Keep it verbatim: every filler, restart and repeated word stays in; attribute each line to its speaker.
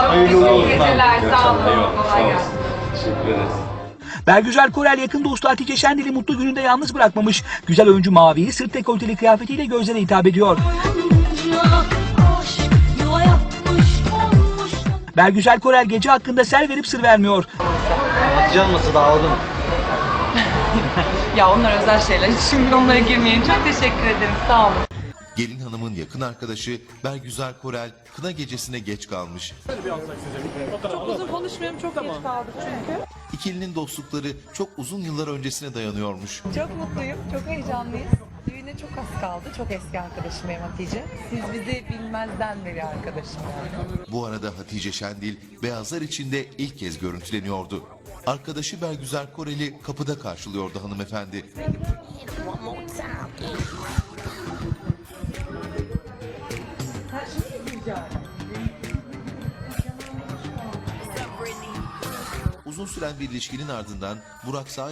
Speaker 1: Hayırlı olsun.
Speaker 2: Geceler, sağ olun.
Speaker 1: Eyvallah,
Speaker 2: Kolay
Speaker 1: sağ
Speaker 2: gelsin.
Speaker 1: olsun. Teşekkür ederiz.
Speaker 3: Bergüzar Korel yakın dostu Hatice Şendil'i mutlu gününde yalnız bırakmamış. Güzel oyuncu maviyi sırt dekolteli kıyafetiyle gözlere hitap ediyor. Bergüzar Korel gece hakkında ser verip sır vermiyor.
Speaker 4: Hatice olması dağıldı mı?
Speaker 2: Ya onlar özel şeyler. Şimdi onlara girmeyin. Çok teşekkür ederim. Sağ olun.
Speaker 5: Gelin hanımın yakın arkadaşı Bergüzar Korel kına gecesine geç kalmış.
Speaker 2: Çok uzun konuşmuyorum. Çok geç kaldık çünkü.
Speaker 5: İkilinin dostlukları çok uzun yıllar öncesine dayanıyormuş.
Speaker 6: Çok mutluyum, çok heyecanlıyız. Düğüne çok az kaldı. Çok eski arkadaşım benim Hatice. Siz bizi bilmezden beri arkadaşım yani.
Speaker 5: Bu arada Hatice Şendil beyazlar içinde ilk kez görüntüleniyordu. Arkadaşı Bergüzar Korel'i kapıda karşılıyordu hanımefendi. Uzun süren bir ilişkinin ardından Burak Sağ